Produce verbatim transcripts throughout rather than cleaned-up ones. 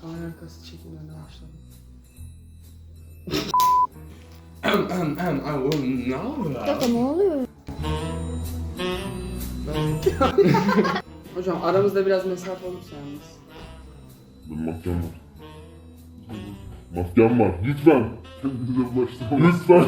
Kamera arkası çekimlerine başladım. Dakika ne oluyor? Hocam aramızda biraz mesafe olursa yalnız. Benim maskem var. Maskem var. Lütfen. Kendinize başlamayın. Lütfen.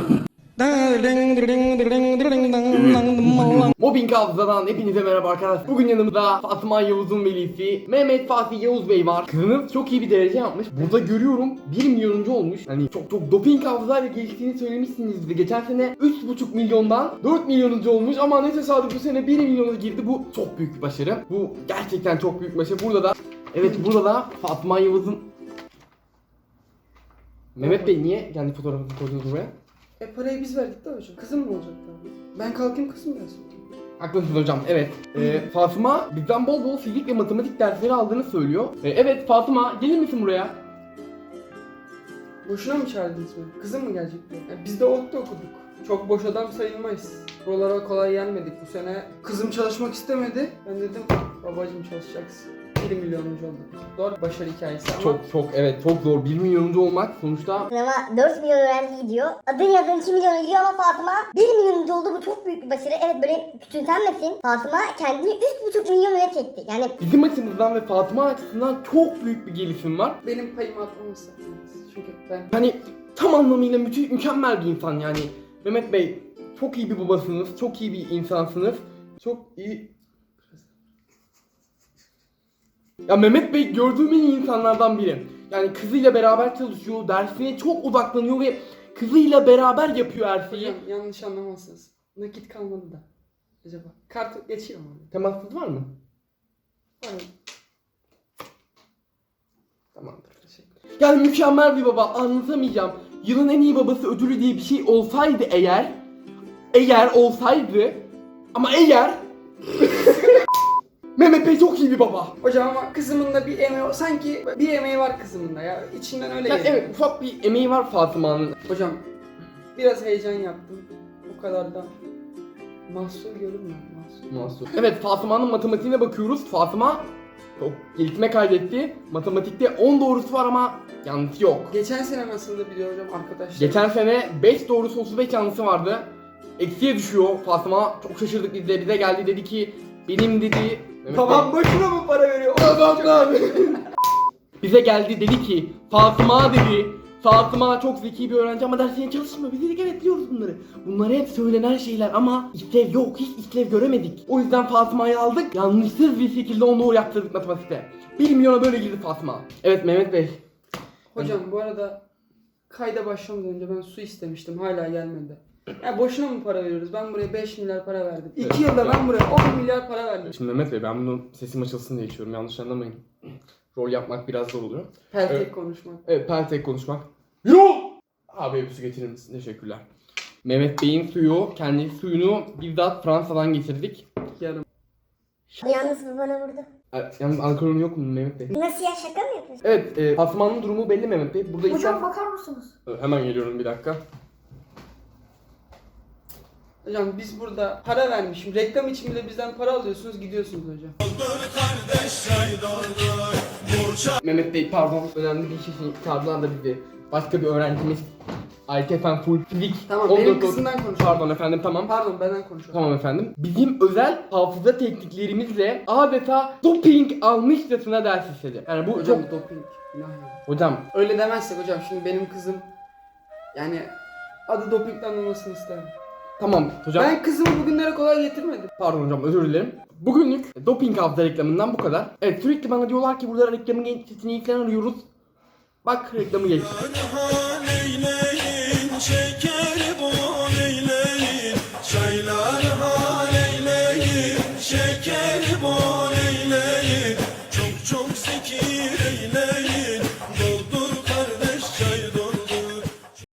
Mobbing Hafıza'dan hepinize merhaba arkadaşlar. Bugün yanımızda Fatma Yavuz'un velisi Mehmet Fatih Yavuz Bey var. Kızınız çok iyi bir derece yapmış. Burada görüyorum bir milyonuncu olmuş. Hani çok çok doping hafızayla geliştiğini söylemişsiniz. Geçen sene üç buçuk milyondan dört milyonuncu olmuş ama ne tesadüf bu sene bir milyona girdi. Bu çok büyük bir başarı. Bu gerçekten çok büyük bir başarı. Burada da evet burada da Fatma Yavuz'un Mehmet Bey niye kendi fotoğrafını koydunuz buraya? E parayı biz verdik de hocam. Kızım mı olacak tabii? Ben kalkayım kızım gelsin. Haklısınız hocam, evet. Ee, Fatıma bizden bol bol fizik ve matematik dersleri aldığını söylüyor. Ee, evet Fatıma, gelir misin buraya? Boşuna mı çağırdınız beni? Kızım mı gelecekti? Yani biz de ODTÜ okuduk. Çok boş adam sayılmayız. Buralara kolay gelmedik bu sene. Kızım çalışmak istemedi. Ben dedim babacığım çalışacaksın. bir milyonuncu olduk. Zor başarı hikayesi ama. Çok çok evet çok zor. bir milyonuncu olmak sonuçta. Ama dört milyon öğrenci gidiyor. Adın yazın iki milyon gidiyor ama Fatıma bir milyonuncu oldu. Bu çok büyük bir başarı. Evet böyle küçümsenmesin. Fatıma kendini üç buçuk milyon öne çekti. Yani Bizim açımızdan ve Fatıma açısından çok büyük bir gelişim var. Benim payımı atmaması. Çünkü ben Hani tam anlamıyla müthiş, mükemmel bir insan yani. Mehmet Bey çok iyi bir babasınız, çok iyi bir insansınız. Çok iyi... Ya Mehmet Bey gördüğüm en iyi insanlardan biri. Yani kızıyla beraber çalışıyor, dersine çok odaklanıyor ve kızıyla beraber yapıyor her şeyi. hocam yanlış anlamazsınız. Nakit kalmadı da. Acaba kart geçiyor mu? Temassız var mı? Var. Tamamdır, teşekkür. Yani mükemmel bir baba, anlatamayacağım. Yılın en iyi babası ödülü diye bir şey olsaydı eğer, eğer olsaydı, ama eğer Mehmet Bey çok iyi bir baba. Hocam ama kızımın da bir emeği sanki bir emeği var kızımın da ya. İçinden öyle Yani geliyor. evet, ufak bir emeği var Fatıma'nın. Hocam biraz heyecan yaptım. O kadar da mahsul görünmüyor. Mahsul. Mahsus. Evet, Fatıma'nın matematiğine bakıyoruz. Fatıma çok gelişme kaydetti. Matematikte on doğrusu var ama yanlışı yok. Geçen sene nasıldı biliyor hocam arkadaşlar? Geçen sene beş doğrusu otuz beş yanlışı vardı. Eksiye düşüyor Fatıma. Çok şaşırdık biz de. Bize geldi dedi ki benim dedi Mehmet Babam Bey- boşuna mı para veriyor? Babam abi. Bize geldi dedi ki Fatıma dedi Fatıma çok zeki bir öğrenci ama dersine çalışmıyor. Biz dedik evet biliyoruz bunları. Bunlar hep söylenen şeyler ama işlev yok. Hiç işlev göremedik. O yüzden Fatıma'yı aldık. Yanlışsız bir şekilde onu doğru yaptırdık matematikte. bir milyona böyle girdi Fatıma. Evet Mehmet Bey. Hocam bu arada kayda başlamadan önce ben su istemiştim. Hala gelmedi. Ya boşuna mı para veriyoruz? Ben buraya beş milyar para verdim. Evet. iki yılda ben buraya on milyar para verdim. Şimdi Mehmet Bey ben bunu sesim açılsın diye içiyorum. Yanlış anlamayın. Rol yapmak biraz zor oluyor. Peltek Evet. konuşmak. Evet pentek konuşmak. Yo! Abi bir su getirir misin? Teşekkürler. Mehmet Bey'in suyu, kendi suyunu bizzat Fransa'dan getirdik. Yarım. yalnız bu bana vurdu. E, Yalnız alkolün yok mu Mehmet Bey? Nasıl ya, şaka mı yapıyorsun? Evet, e, Fatma'nın durumu belli Mehmet Bey. Burada Hocam insan... bakar mısınız? E, Hemen geliyorum bir dakika. Hocam biz burada para vermişim. Reklam için bile bizden para alıyorsunuz gidiyorsunuz hocam. Mehmet Bey pardon, önemli bir şey çağırdılar da bizi. Başka bir öğrencimiz. I T F N Full Fizik. Tamam, on benim dört kızımdan konuşuyorum. Pardon efendim, tamam. Pardon benden konuşuyorum. Tamam efendim. Bizim özel hafıza tekniklerimizle adeta doping almışçasına ders işledi. Yani bu Hocam çok... doping. Günah ya. Hocam Öyle demezsek hocam şimdi benim kızım yani adı dopingden anılmasını isterim. tamam hocam. Ben kızımı bugünlere kolay getirmedim. Pardon hocam, özür dilerim. Bugünlük doping hafıza reklamından bu kadar. Evet, sürekli bana diyorlar ki burada reklamın gençliğini falan arıyoruz. Bak reklamı geçti. Şeker bol eyleyin, çaylar hal eyleyin, şeker